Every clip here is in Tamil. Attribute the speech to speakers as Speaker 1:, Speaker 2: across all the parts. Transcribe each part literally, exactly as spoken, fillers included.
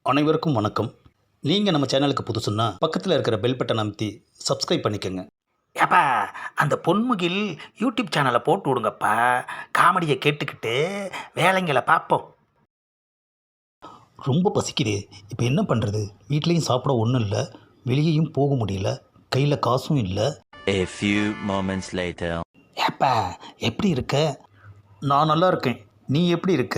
Speaker 1: அனைவருக்கும் வணக்கம். நீங்கள் நம்ம சேனலுக்கு புதுசுன்னா பக்கத்தில் இருக்கிற பெல் பட்டன் அமைத்தி சப்ஸ்கிரைப் பண்ணிக்கோங்க.
Speaker 2: ஏப்பா அந்த பொன்முகில் யூடியூப் சேனலை போட்டு விடுங்கப்பா. காமெடியை கேட்டுக்கிட்டு வேலைங்களை பார்ப்போம்.
Speaker 1: ரொம்ப பசிக்குது, இப்போ என்ன பண்ணுறது? வீட்லேயும் சாப்பிட ஒன்றும் இல்லை, வெளியேயும் போக முடியல, கையில் காசும் இல்லை.
Speaker 3: A few moments later.
Speaker 2: ஏப்பா எப்படி இருக்க?
Speaker 1: நான் நல்லா இருக்கேன். நீ எப்படி இருக்க?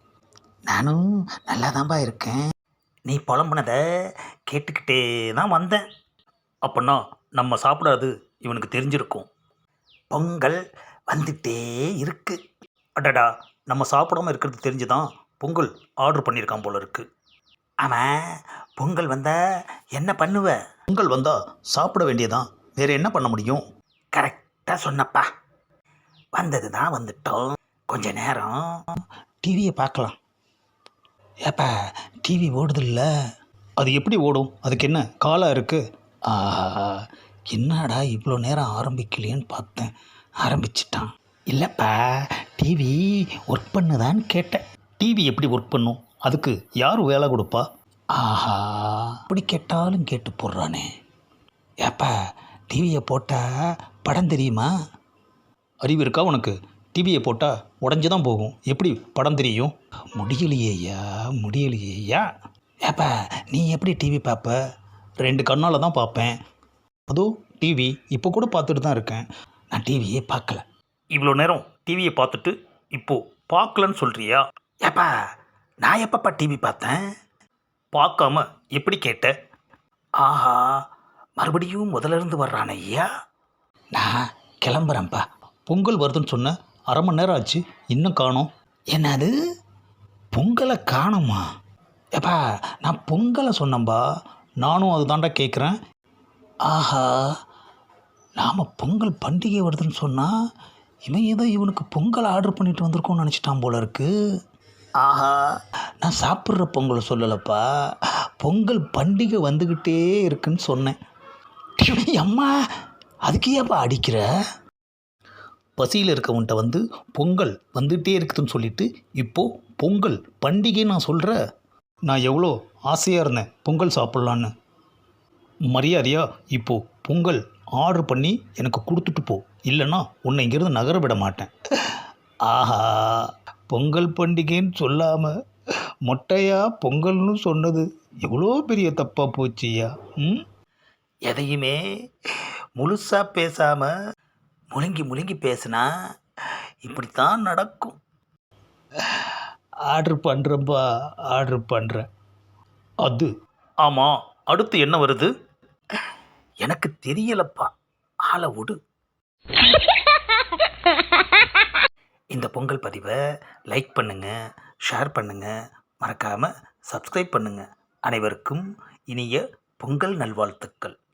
Speaker 2: நானும் நல்லா தான்ப்பா இருக்கேன். நீ புலம்புனதை கேட்டுக்கிட்டே தான் வந்தேன்.
Speaker 1: அப்படின்னா நம்ம சாப்பிடாது இவனுக்கு தெரிஞ்சிருக்கும்.
Speaker 2: பொங்கல் வந்துட்டே இருக்கு.
Speaker 1: அடடா, நம்ம சாப்பிடாம இருக்கிறது தெரிஞ்சுதான் பொங்கல் ஆர்டர் பண்ணியிருக்கான் போல இருக்கு.
Speaker 2: அவன் பொங்கல் வந்தால் என்ன பண்ணுவ?
Speaker 1: பொங்கல் வந்தால் சாப்பிட வேண்டியதான், வேற என்ன பண்ண முடியும்?
Speaker 2: கரெக்டாக சொன்னப்பா. வந்தது தான் வந்துட்டோம், கொஞ்ச நேரம் டிவியை பார்க்கலாம். ஏப்பா டிவி ஓடுதில்ல?
Speaker 1: அது எப்படி ஓடும்? அதுக்கு என்ன காலம் இருக்குது?
Speaker 2: ஆஹா, என்னடா இவ்வளோ நேரம் ஆரம்பிக்கலையேன்னு பார்த்தேன், ஆரம்பிச்சிட்டான். இல்லைப்பா, டிவி ஒர்க் பண்ணுதான்னு கேட்டேன்.
Speaker 1: டிவி எப்படி ஒர்க் பண்ணும்? அதுக்கு யார் வேலை கொடுப்பா?
Speaker 2: ஆஹா, அப்படி கேட்டாலும் கேட்டு போடுறானே. ஏப்பா டிவியை போட்டால் படம் தெரியுமா?
Speaker 1: அறிவு இருக்கா உனக்கு? டிவியை போட்டால் உடஞ்சி தான் போகும், எப்படி படம் தெரியும்?
Speaker 2: முடியலையேயா முடியலையேயா. ஏப்பா நீ எப்படி டிவி பார்ப்ப?
Speaker 1: ரெண்டு கண்ணால் தான் பார்ப்பேன். அதுவும் டிவி இப்போ கூட பார்த்துட்டு தான் இருக்கேன்.
Speaker 2: நான் டிவியே பார்க்கல.
Speaker 1: இவ்வளோ நேரம் டிவியை பார்த்துட்டு இப்போது பார்க்கலன்னு சொல்கிறியா?
Speaker 2: ஏப்பா நான் எப்பப்பா டிவி பார்த்தேன்?
Speaker 1: பார்க்காம எப்படி கேட்ட?
Speaker 2: ஆஹா, மறுபடியும் முதல்ல இருந்து வர்றான ஐயா. நான் கிளம்புறேன்ப்பா.
Speaker 1: பொங்கல் வருதுன்னு சொன்ன அரை மணி நேரம் ஆச்சு, இன்னும் காணோம்.
Speaker 2: என்னது பொங்கலை காணுமா? ஏப்பா நான் பொங்கலை சொன்னேன்பா.
Speaker 1: நானும் அது தாண்டா கேட்குறேன்.
Speaker 2: ஆஹா, நாம் பொங்கல் பண்டிகை வருதுன்னு சொன்னால் இவன் ஏதோ இவனுக்கு பொங்கல் ஆர்டர் பண்ணிட்டு வந்திருக்கோன்னு நினச்சிட்டான் போல இருக்கு. ஆஹா, நான் சாப்பிட்ற பொங்கலை சொல்லலப்பா, பொங்கல் பண்டிகை வந்துக்கிட்டே இருக்குன்னு சொன்னேன். அம்மா அதுக்கு ஏப்பா அடிக்கிற?
Speaker 1: பசியில் இருக்கவன்ட்ட வந்து பொங்கல் வந்துகிட்டே இருக்குதுன்னு சொல்லிட்டு இப்போது பொங்கல் பண்டிகை நான் சொல்கிற. நான் எவ்வளோ ஆசையாக இருந்தேன் பொங்கல் சாப்பிட்லான்னு. மரியாதையா இப்போது பொங்கல் ஆர்டர் பண்ணி எனக்கு கொடுத்துட்டு போ, இல்லைன்னா உன்னை இங்கேருந்து நகர விட மாட்டேன்.
Speaker 2: ஆஹா,
Speaker 1: பொங்கல் பண்டிகைன்னு சொல்லாமல் மொட்டையாக பொங்கல்னு சொன்னது எவ்வளோ பெரிய தப்பாக போச்சியா. ம்
Speaker 2: எதையுமே முழுசாக பேசாமல் முழுங்கி முழுங்கி பேசுனா இப்படித்தான் நடக்கும்.
Speaker 1: ஆர்டர் பண்ணுறப்பா, ஆர்டர் பண்ணுறேன். அது ஆமாம், அடுத்து என்ன வருது?
Speaker 2: எனக்கு தெரியலப்பா, ஆளை விடு. இந்த பொங்கல் பதிவை லைக் பண்ணுங்கள், ஷேர் பண்ணுங்கள், மறக்காமல் சப்ஸ்கிரைப் பண்ணுங்கள். அனைவருக்கும் இனிய பொங்கல் நல்வாழ்த்துக்கள்.